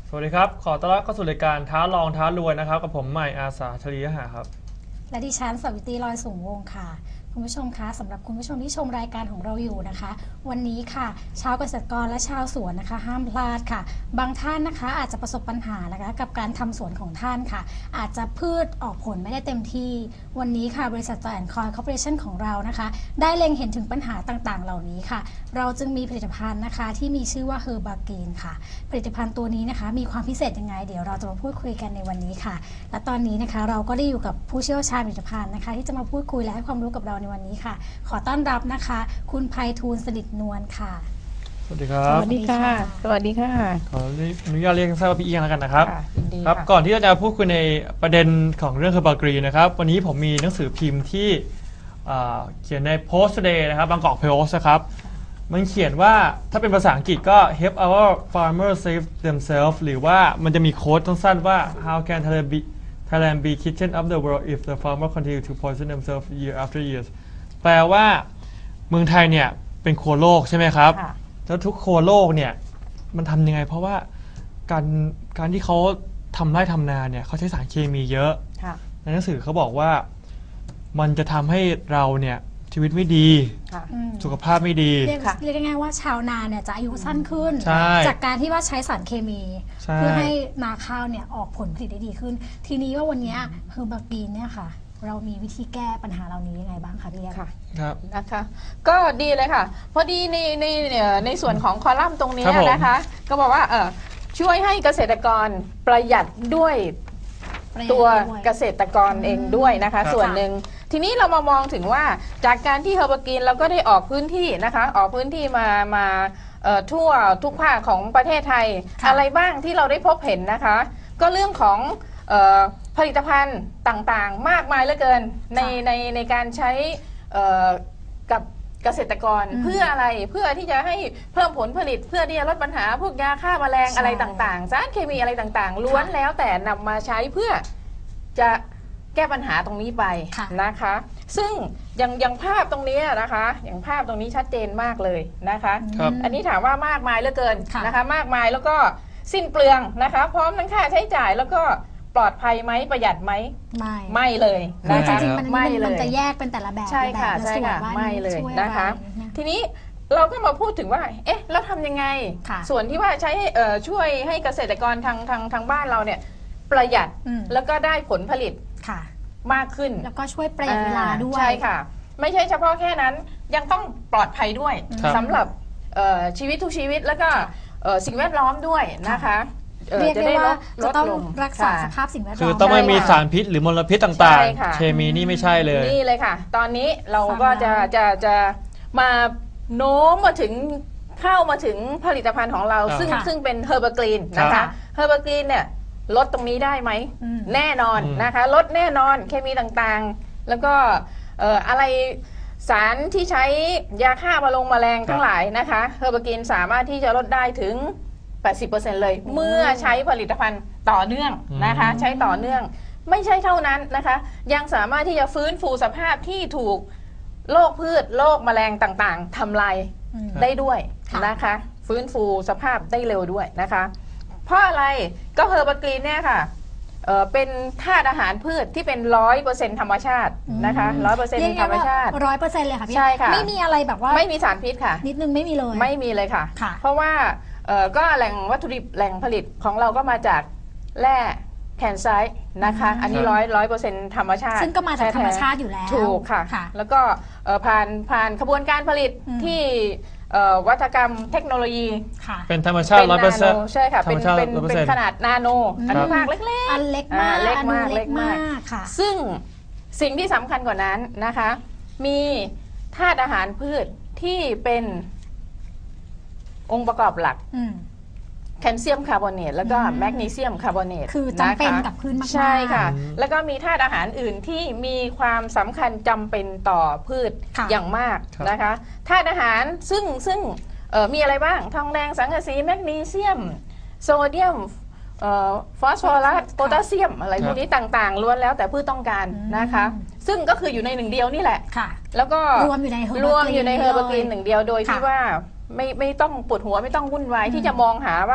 สวัสดีครับขอต้อนรับเข้าสู่รายการท้าลองท้ารวยนะครับกับผมใหม่อาสาชลียหาครับและดิฉันสวิตรีลอยสูงวงค่ะคุณผู้ชมคะสำหรับคุณผู้ชมที่ชมรายการของเราอยู่นะคะวันนี้ค่ะชาวเกษตรกรและชาวสวนนะคะห้ามพลาดค่ะบางท่านนะคะอาจจะประสบปัญหานะคะกับการทำสวนของท่านค่ะอาจจะพืชออกผลไม่ได้เต็มที่วันนี้ค่ะบริษัทจอยแอนด์คอยคอร์ปอเรชั่นของเรานะคะได้เล็งเห็นถึงปัญหาต่างๆเหล่านี้ค่ะเราจึงมีผลิตภัณฑ์นะคะที่มีชื่อว่าเฮอร์บาเกนค่ะผลิตภัณฑ์ตัวนี้นะคะมีความพิเศษยังไงเดี๋ยวเราจะมาพูดคุยกันในวันนี้ค่ะและตอนนี้นะคะเราก็ได้อยู่กับผู้เชี่ยวชาญผลิตภัณฑ์นะคะที่จะมาพูดคุยและให้ความรู้กับเราในวันนี้ค่ะขอต้อนรับนะคะคุณไพฑูรย์สนิทนวลค่ะสวัสดีครับสวัสดีค่ะ สวัสดีค่ะขออนุญาตเรียกสั้นๆว่าพี่เอียงแล้วกันนะครับยินดีครับค่ะก่อนที่จะพูดคุยในประเด็นของเรื่องเคอร์บากรีนะครับวันนี้ผมมีหนังสือพิมพ์ที่เขียนใน Post Today นะครับบางกอกโพสต์นะครับมันเขียนว่าถ้าเป็นภาษาอังกฤษก็ help our farmers save themselves หรือว่ามันจะมีโค้ดสั้นๆว่า how can Thailand be kitchen of the world if the farmer continue to poison themselves year after year แปลว่าเมืองไทยเนี่ยเป็นครัวโลกใช่ไหมครับค่ะแล้วทุกครัวโลกเนี่ยมันทำยังไงเพราะว่าการที่เขาทำไร่ทำนาเนี่ยเขาใช้สารเคมีเยอะค่ะในหนังสือเขาบอกว่ามันจะทำให้เราเนี่ยชีวิตไม่ดีค่ะสุขภาพไม่ดีค่ะเรียกง่ายๆว่าชาวนาเนี่ยจะอายุสั้นขึ้นใช่จากการที่ว่าใช้สารเคมีใช่เพื่อให้นาข้าวเนี่ยออกผลผลิตได้ดีขึ้น ทีนี้ว่าวันนี้เฮอร์บากีนเนี่ยค่ะ เรามีวิธีแก้ปัญหาเหล่านี้ยังไงบ้างคะพี่เลี้ยงค่ะครับนะคะ ก็ดีเลยค่ะ พอดีในส่วนของคอลัมน์ตรงนี้ครับผมนะคะ ก็บอกว่าช่วยให้เกษตรกรประหยัดด้วยตัวเกษตรกรเองด้วยนะคะ ส่วนหนึ่ง ทีนี้เรามามองถึงว่าจากการที่เฮอร์บากีนเราก็ได้ออกพื้นที่นะคะ ออกพื้นที่มาทั่วทุกภาคของประเทศไทย อะไรบ้างที่เราได้พบเห็นนะคะ ก็เรื่องของผลิตภัณฑ์ต่างๆ มากมายเหลือเกินในการใช้กับเกษตรกรเพื่ออะไรเพื่อที่จะให้เพิ่มผลผลิตเพื่อที่จะลดปัญหาพวกยาฆ่าแมลงอะไรต่างๆสารเคมีอะไรต่างๆ ล้วนแล้วแต่นำมาใช้เพื่อจะแก้ปัญหาตรงนี้ไปนะคะ ซึ่งอย่างภาพตรงนี้นะคะอย่างภาพตรงนี้ชัดเจนมากเลยนะคะครับอันนี้ถามว่ามากมายเหลือเกินนะคะมากมายแล้วก็สิ้นเปลืองนะคะพร้อมทั้งค่าใช้จ่ายแล้วก็ปลอดภัยไหมประหยัดไหม ไม่เลยคือนะจคะริงๆมันไม่เลมันยจะแยกเป็นแต่ละแบบใช่ค่ะแบบลใช่ส่วนค่ะว่าไม่เลยช่วอนะคะไรทีนี้เราก็มาพูดถึงว่าเอ๊ะแล้วทำยังไงค่ะส่วนที่ว่าใช้ช่วยให้เกษตรกรทางบ้านเราเนี่ยประหยัด แล้วก็ได้ผลผลิตค่ะมากขึ้นแล้วก็ช่วยประหยัดเวลาด้วยใช่ค่ะ ไม่ใช่เฉพาะแค่นั้นยังต้องปลอดภัยด้วยครับสำหรับชีวิตทุกชีวิตแล้วก็สิ่งแวดล้อมด้วยนะคะเรียกได้ว่าจะต้องลงรักษาค่ะสภาพสิ่งแวดล้อมคือต้องไม่มีใช่ค่ะสารพิษหรือมลพิษต่างใช่ค่ะๆ เคมีนี่ไม่ใช่เลยนี่เลยค่ะ ตอนนี้เราฟังก็แล้วจะมาโน้มมาถึงเข้ามาถึงผลิตภัณฑ์ของเราครับซึ่งเป็นเฮอร์บากรีนนะครัคะบเฮอร์บากรีนเนี่ยลดตรงนี้ได้ไหม แน่นอนอืมนะคะลดแน่นอนเคมีต่างๆ แล้วก็อะไรสารที่ใช้ยาฆ่าแมลงทั้งหลายนะคะเฮอร์บากรีนสามารถที่จะลดได้ถึง 80% เลย เมื่อใช้ผลิตภัณฑ์ต่อเนื่องนะคะ ใช้ต่อเนื่อง ไม่ใช่เท่านั้นนะคะ ยังสามารถที่จะฟื้นฟูสภาพที่ถูกโรคพืชโรคแมลงต่างๆทำลายได้ด้วยค่ะนะคะ ฟื้นฟูสภาพได้เร็วด้วยนะคะ เพราะอะไรก็เฮอร์บากรีนเนี่ยค่ะเป็นธาตุอาหารพืชที่เป็น 100% ธรรมชาตินะคะเรียก 100% ธรรมว่าชาติ 100%เลยค่ะพี่ใช่ค่ะไม่มีอะไรแบบว่าไม่มีสารพิษค่ะนิดนึงไม่มีเลยไม่มีเลยค่ะค่ะเพราะว่าก็แหล่งวัตถุดิบแหล่งผลิตของเราก็มาจากแร่แคนไซต์นะคะ อันนี้100% ธรรมชาติซึ่งก็มาจากธรรมชาติแท้ๆอยู่แล้วถูกค่ะค่ะแล้วก็ผ่านขบวนการผลิตที่วัตกรรมเทคโนโลยีค่ะเป็นธรรมชาติเป็นนาโน 100% ใช่ค่ะธรรมชาติเป็น 100% ขนาดนาโนอนุภาคเล็กอันเล็กมากเล็กมากอันเล็กมากค่ะๆ ซึ่งสิ่งที่สำคัญกว่านั้นนะคะ มีธาตุอาหารพืชที่เป็นองค์ประกอบหลัก แคลเซียมคาร์บอเนตแล้วก็แมกนีเซียมคาร์บอเนตคือจำเป็นนะคะกับพืชมากๆใช่ค่ะอืมแล้วก็มีธาตุอาหารอื่นที่มีความสำคัญจำเป็นต่อพืชค่ะอย่างมากนะคะธาตุอาหารซึ่งมีอะไรบ้างทองแดงสังกะสีแมกนีเซียมโซเดียมฟอสฟอรัสโพแทสเซียมอะไรพวกนี้ต่างๆล้วนแล้วแต่พืชต้องการนะคะ ซึ่งก็คืออยู่ในหนึ่งเดียวนี่แหละค่ะแล้วก็รวมอยู่ในรวมอยู่ในเฮอร์บากรีนหนึ่งเดียวโดยที่ค่ะว่าไม่ต้องปวดหัวไม่ต้องวุ่นวายที่จะมองหาว่า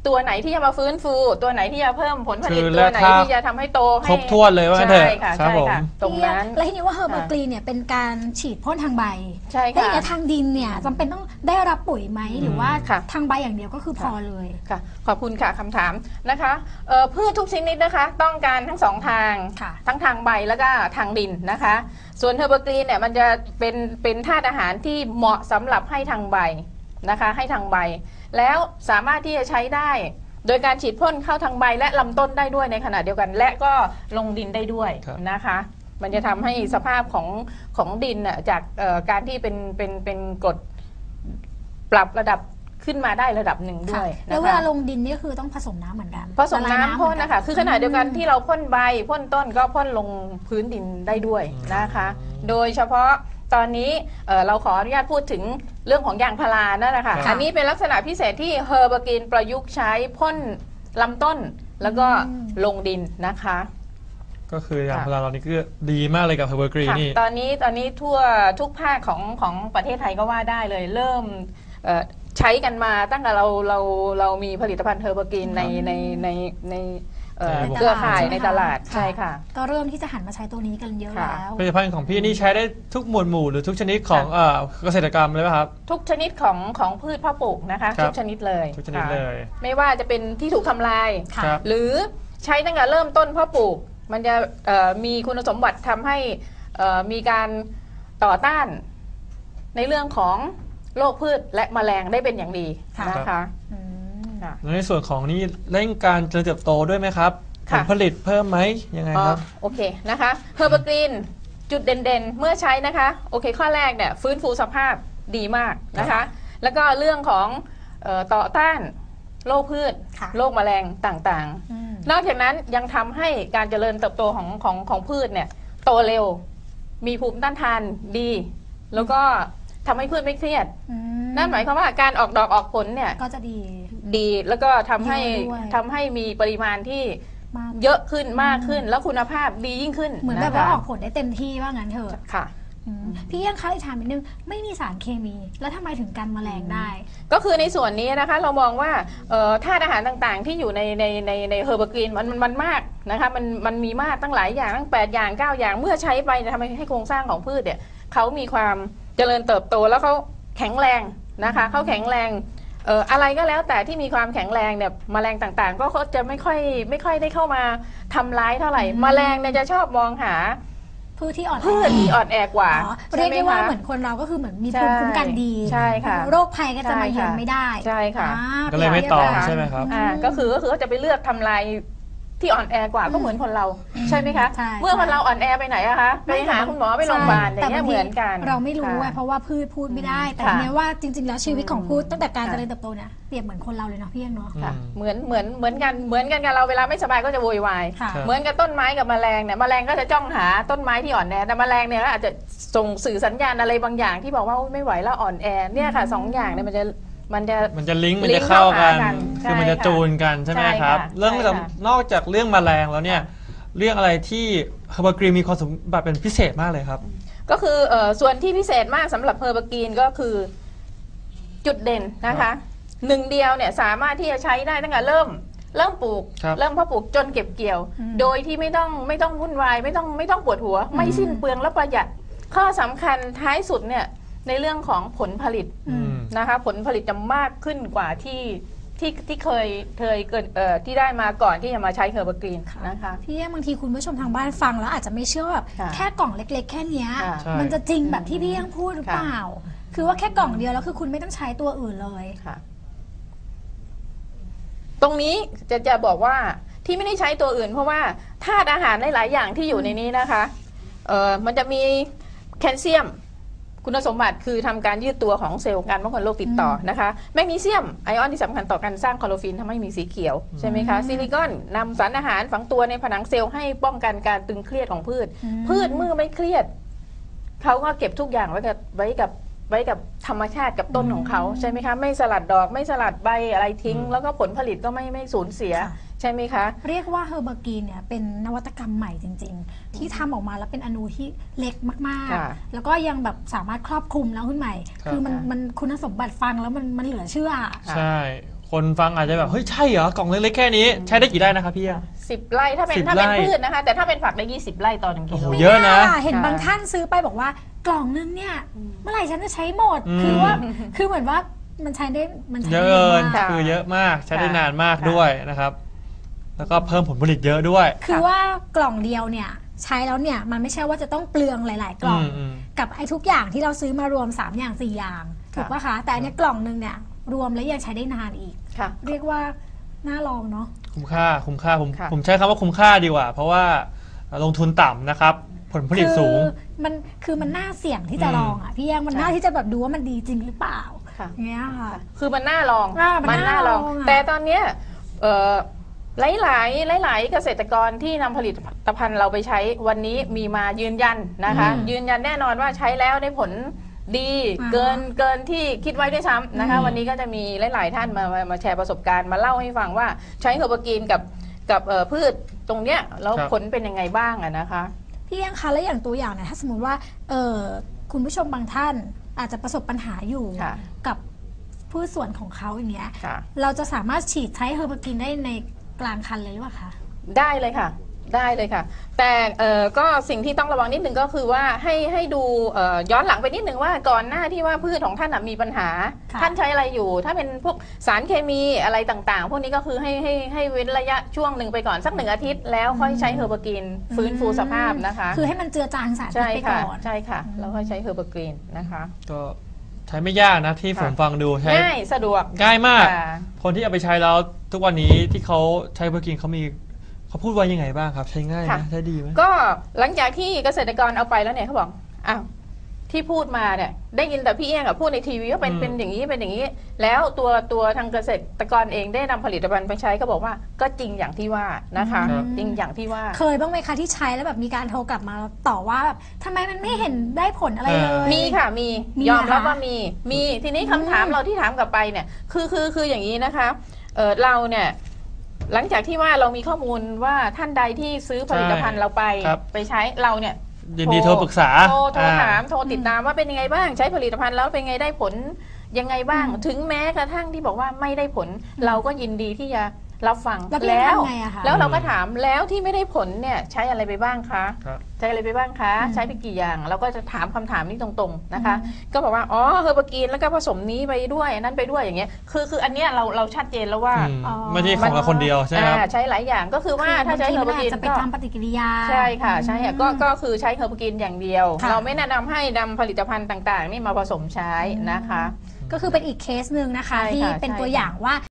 ตัวไหนที่จะมาฟื้นฟูตัวไหนที่จะเพิ่มผลผลิตคือตัวไหนและถ้าที่จะทำให้โตให้ครบถ้วนเลยว่างั้นเถอะใช่ค่ะครับใช่ผมค่ะตรงนั้นแล้วทีนี้ว่าเฮอร์เบอร์กรีนเนี่ยเป็นการฉีดพ่นทางใบใช่แล้วอค่ะย่างเงี้ยทางดินเนี่ยจำเป็นต้องได้รับปุ๋ยไหมหรือว่าค่ะทางใบอย่างเดียวก็คือพอเลยค่ะขอบคุณค่ะคำถามนะคะพืชทุกชนิดนะคะต้องการทั้งสองทางค่ะทั้งทางใบแล้วก็ทางดินนะคะ ส่วนเฮอร์เบอร์กรีนเนี่ยมันจะเป็นธาตุอาหารที่เหมาะสำหรับให้ทางใบนะคะให้ทางใบ แล้วสามารถที่จะใช้ได้ โดยการฉีดพ่นเข้าทางใบและลำต้นได้ด้วยในขณะเดียวกัน และก็ลงดินได้ด้วยครับนะคะ มันจะทำให้สภาพของดินน่ะจากการที่เป็นกรดปรับระดับขึ้นมาได้ระดับหนึ่งด้วยค่ะนะคะแล้วเวลาลงดินนี่คือต้องผสมน้ำเหมือนกันผสมน้ำพ่นนะคะ คือขณะเดียวกันที่เราพ่นใบพ่นต้นก็พ่นลงพื้นดินได้ด้วยนะคะ โดยเฉพาะตอนนี้เราขออนุญาตพูดถึงเรื่องของยางพารานั่นแหละค่ะครับอันนี้เป็นลักษณะพิเศษที่เฮอร์เบอร์กรีนประยุกต์ใช้พ่นลำต้นแล้วก็ลงดินนะคะก็คืออย่างพาราเรานี่คือดีมากเลยกับเฮอร์เบอร์กรีนค่ะนี่ตอนนี้ทั่วทุกภาคของประเทศไทยก็ว่าได้เลยเริ่มใช้กันมาตั้งแต่เรามีผลิตภัณฑ์เฮอร์เบอร์กรีนในเครือข่ายในตลาดใช่ค่ะก็เริ่มที่จะหันมาใช้ตัวนี้กันเยอะค่ะแล้วผลิตภัณฑ์ของพี่นี่ใช้ได้ทุกหมวดหมู่หรือทุกชนิดของเกษตรกรรมเลยไหมครับทุกชนิดของพืชเพาะปลูกนะคะครับทุกชนิดเลยทุกชนิดค่ะเลยไม่ว่าจะเป็นที่ถูกทำลายค่ะครับหรือใช้ตั้งแต่เริ่มต้นเพาะปลูก มันจะมีคุณสมบัติทำให้มีการต่อต้านในเรื่องของโรคพืชและแมลงได้เป็นอย่างดีค่ะนะคะอืมค่ะแล้วในส่วนของนี่เร่งการเจริญเติบโตด้วยไหมครับผค่ะลผลิตเพิ่มไหมยังไงครับโอเคนะคะเฮอร์เบอร์กรีนจุดเด่นๆ เมื่อใช้นะคะโอเคข้อแรกเนี่ยฟื้นฟูสภาพดีมากนะคะ แล้วก็เรื่องของต่อต้านโรคพืชค่ะโรคแมลงต่างๆอืมนอกจากนั้นยังทำให้การเจริญเติบโตของพืชเนี่ยโตเร็ว มีภูมิต้านทานดี แล้วก็ทำให้พืชไม่เครียดอืมนั่นหมายความว่าการออกดอกออกผลเนี่ยก็จะดีดีแล้วก็ทำให้เยอะด้วยทำให้มีปริมาณที่มากเยอะขึ้นมากขึ้น แล้วคุณภาพดียิ่งขึ้นเหมือนแบบนะคะว่าออกผลได้เต็มที่ว่างั้นเถอะค่ะอืมพี่ยังคะอีกถามนิดนึงไม่มีสารเคมี แล้วทำไมถึงกันแมลงได้ก็คือในส่วนนี้นะคะเรามองว่าธาตุอาหารต่างๆ ที่อยู่ในเฮอร์เบอร์กรีนมันมากนะคะมันมีมากตั้งหลายอย่างตั้ง8อย่าง9อย่างเมื่อใช้ไปจะทำให้โครงสร้างของพืชเนี่ยเขามีความเจริญเติบโตแล้วเขาแข็งแรงนะคะเขาแข็งแรงอะไรก็แล้วแต่ที่มีความแข็งแรงเนี่ยแมลงต่างๆ ก็เขาจะไม่ค่อยได้เข้ามาทำร้ายเท่าไหร่แมลงเนี่ยจะชอบมองหาพืชที่อ่อนแอพืชที่อ่อนแอกว่าอ๋อใช่เรียกไหมได้ว่าคะเหมือนคนเราก็คือเหมือนมีใช่ภูมิคุ้มกันดีใช่ค่ะโรคภัยก็จะมาเยือนไม่ได้ใช่ค่ะอ่าก็เลยไม่ต่อเรียกว่าใช่ไหมครับก็คือเขาจะไปเลือกทำลายที่อ่อนแอกว่าก็เหมือนคนเราใช่ไหมคะใช่เมื่อคนเราอ่อนแอไปไหนอะคะไปหาคุณหมอไปโรงพยาบาลอย่างเงี้ยเหมือนกันเราไม่รู้ไงค่ะเพราะว่าพืชพูดไม่ได้ แต่ค่ะเนี้ยว่าจริง ๆ แล้วชีวิตของพืชตั้งแต่การค่ะเจริญเติบโตเนี่ยเปรียบเหมือนคนเราเลยเนาะพี่เองเนาะค่ะอืมเหมือนกันกับเราเวลาไม่สบายก็จะโวยวายค่ะครับเหมือนกับต้นไม้กับแมลงเนี่ยแมลงก็จะจ้องหาต้นไม้ที่อ่อนแอแต่แมลงเนี่ยก็อาจจะส่งสื่อสัญญาณอะไรบางอย่างที่บอกว่าอุ๊ยไม่ไหวแล้วอ่อนแอเนี่ยค่ะสองอย่างเนี่ยมันจะมันจะลิงก์มันลิจะงก์เข้ากันเข้าหากันคือมันจะใช่ค่ะจูนกันใช่ไหมใช่ครับค่ะเรื่องใช่ค่ะนอกจากเรื่องแมลงแล้วเนี่ยเรื่องอะไรที่เฮอร์เบอร์กรีนมีความสมบัติเป็นพิเศษมากเลยครับก็คือส่วนที่พิเศษมากสำหรับเฮอร์เบอร์กรีนก็คือจุดเด่นนะคะหนึ่งเดียวเนี่ยสามารถที่จะใช้ได้ตั้งแต่เริ่มปลูกครับเริ่มเพาะปลูกจนเก็บเกี่ยวอืมโดยที่ไม่ต้องวุ่นวายไม่ต้องปวดหัว ไม่สิ้นเปลืองและประหยัดข้อสำคัญท้ายสุดเนี่ยในเรื่องของผลผลิตอืมนะคะผลผลิตจะมากขึ้นกว่าที่เคยเกิดที่ได้มาก่อนที่จะมาใช้เฮอร์เบอร์กรีนนะคะพี่บางทีคุณผู้ชมทางบ้านฟังแล้วอาจจะไม่เชื่อว่าแบบค่ะแค่กล่องเล็ก ๆ แค่เนี้ยค่ะใช่มันจะจริงแบบที่พี่ยังพูดหรือเปล่า คือว่าแค่กล่องเดียวแล้วคือคุณไม่ต้องใช้ตัวอื่นเลยค่ะตรงนี้จะบอกว่าที่ไม่ได้ใช้ตัวอื่น เพราะว่าธาตุอาหารหลายๆอย่างที่อยู่ในนี้นะคะมันจะมีแคลเซียม คุณสมบัติคือทำการยืดตัวของเซลล์การป้องกันโรคติดต่อนะคะแมกนีเซียมไอออนที่สำคัญต่อการสร้างคลอโรฟิลทำให้มีสีเขียวใช่ไหมคะซิลิคอนนำสารอาหารฝังตัวในผนังเซลล์ให้ป้องกันการตึงเครียดของพืชอืมพืชเมื่อไม่เครียดเขาก็เก็บทุกอย่างไว้กับธรรมชาติกับต้นของเขาใช่ไหมคะไม่สลัดดอกไม่สลัดใบอะไรทิ้ง แล้วก็ผลผลิตก็ไม่สูญเสียค่ะใช่ไหมคะเรียกว่าเฮอร์เบอร์กรีนเนี่ยเป็นนวัตกรรมใหม่จริง ๆ ที่ทำออกมาแล้วเป็นอนูที่เล็กมากค่ะๆ แล้วก็ยังแบบสามารถครอบคลุมแล้วขึ้นใหม่ครับคือมันคุณสมบัติฟังแล้วมันเหลือเชื่อใช่คนฟังอาจจะแบบเฮ้ยใช่เหรอกล่องเล็กๆแค่นี้ใช้ได้กี่ไร่นะครับพี่ 10 ไร่ถ้าเป็น 10 ไร่พืชนะคะ แต่ถ้าเป็นผักได้20 ไร่ต่อ1 กิโลโอ้โหเยอะนะเห็นบางท่านซื้อไปบอกว่ากล่องนึงเนี่ยเมื่อไหร่ฉันจะใช้หมดอืมคือว่าคือเหมือนว่ามันใช้ได้มันใช้เยได้อะเกินมากคือเยอะมากใช้ได้ค่ะนานมากค่ะด้วยนะครับ แล้วก็เพิ่มผลผลิตเยอะด้วยคือว่ากล่องเดียวเนี่ยใช้แล้วเนี่ยมันไม่ใช่ว่าจะต้องเปลืองหลาย ๆ กล่องมกับไอ้ทุกอย่างที่เราซื้อมารวม3อย่าง4อย่างถูกปะคะแต่อันเนี้ยกล่องนึงเนี่ยรวมแล้วยังใช้ได้นานอีกค่ะเรียกว่าน่าลองเนาะคุ้มค่าผมค่ะผมใช้คำว่าคุ้มค่าดีกว่า เพราะว่าลงทุนต่ำนะครับ ผลผลิตสูงคือมันน่าเสี่ยงที่จะอืมลองอ่ะพี่แยงมันใช่น่าที่จะแบบดูว่ามันดีจริงหรือเปล่าค่ะอย่างเงี้ยค่ะคือมันน่าลองมันน่าลองอะแต่ตอนเนี้ยหลายเกษตรกรที่นำผลิตภัณฑ์เราไปใช้วันนี้มีมายืนยันนะคะ ยืนยันแน่นอนว่าใช้แล้วได้ผลดีเกินที่คิดไว้ด้วยซ้ำนะคะ วันนี้ก็จะมีหลาย ๆ ท่านมาแชร์ประสบการณ์มาเล่าให้ฟังว่าใช้เฮอร์บากีนกับพืชตรงเนี้ยแล้วครับผลเป็นยังไงบ้างอะนะคะพี่แยงคะแล้วอย่างตัวอย่างเนี่ยถ้าสมมติว่าคุณผู้ชมบางท่านอาจจะประสบปัญหาอยู่ค่ะกับพืชสวนของเขาอย่างเงี้ยค่ะเราจะสามารถฉีดใช้เฮอร์บากินได้ในกลางคันเลยหรือเปล่าคะได้เลยค่ะ ได้เลยค่ะ แต่ก็สิ่งที่ต้องระวังนิดนึงก็คือว่าให้ดูย้อนหลังไปนิดนึงว่าก่อนหน้าที่ว่าพืชของท่านมีปัญหาค่ะท่านใช้อะไรอยู่ ถ้าเป็นพวกสารเคมีอะไรต่างๆ พวกนี้ก็คือให้เว้นระยะช่วงหนึ่งไปก่อนสัก1 อาทิตย์แล้วค่อยใช้เฮอร์บากีนฟื้นฟูสภาพนะคะคือให้มันเจือจางสารพิษใช่ไปค่ะก่อนใช่ค่ะแล้วค่อยใช้เฮอร์บากีนนะคะก็ใช้ไม่ยากนะที่ผมฟังดูใช้ง่ายสะดวกง่ายมากค่ะคนที่เอาไปใช้แล้วทุกวันนี้ที่เขาใช้เบอร์กินเขาพูดว่ายังไงบ้างครับ ใช้ง่ายไหมค่ะใช้ดีไหมก็หลังจากที่เกษตรกรเอาไปแล้วเนี่ยเขาบอกอ้าวที่พูดมาเนี่ยได้ยินแต่พี่เอี้ยงกับพูดในทีวีว่าเป็นอย่างนี้เป็นอย่างนี้ แล้วตัวทางเกษตรกรเองได้นำผลิตภัณฑ์ไปใช้ก็บอกว่าก็จริงอย่างที่ว่านะคะครับจริงอย่างที่ว่าเคยบ้างไหมคะที่ใช้แล้วแบบมีการโทรกลับมาต่อว่าแบบทำไมมันไม่เห็นได้ผลอะไรเลยมีค่ะมีมียอมรับเหรอคะว่ามีทีนี้คำถามเราที่ถามกลับไปเนี่ยคืออย่างนี้นะคะเราเนี่ยหลังจากที่ว่าเรามีข้อมูลว่าท่านใดที่ซื้อผลิตภัณฑ์เราไปครับไปใช้เราเนี่ยยินดีโทรปรึกษาโทรถามอ่โทรติดตามว่าเป็นยังไงบ้างใช้ผลิตภัณฑ์แล้วเป็นไงได้ผลยังไงบ้าง ถึงแม้กระทั่งที่บอกว่าไม่ได้ผล เราก็ยินดีที่จะรับฟังแล้วพี่แล้วทำไงอะคะแล้วเราก็ถามแล้วที่ไม่ได้ผลเนี่ยใช้อะไรไปบ้างคะครับใช้อะไรไปบ้างคะ ใช้ไปกี่อย่างเราก็จะถามคำถามนี้ตรงๆนะคะ ก็บอกว่าอ๋อเฮอร์บากีนแล้วก็ผสมนี้ไปด้วยอันนั้นไปด้วยอย่างเงี้ยคืออันเนี้ยเราชัดเจนแล้วว่าอืมอ๋อไม่ใช่ของเราคนเดียวใช่ไหมครับใช้หลายอย่างก็คือว่าถ้าใช้เฮอร์บากีนจะไปก็ทำปฏิกิริยาใช่ค่ะใช่ค่ะก็คือใช้เฮอร์บากีนอย่างเดียวค่ะเราไม่แนะนำให้นำผลิตภัณฑ์ต่างๆ นี่มาผสมใช้นะคะก็คือเป็นอีกเคสหนึ่งนะคะใช่ค่ะที่เป็นใช่ตัวค่ะอย่างว่า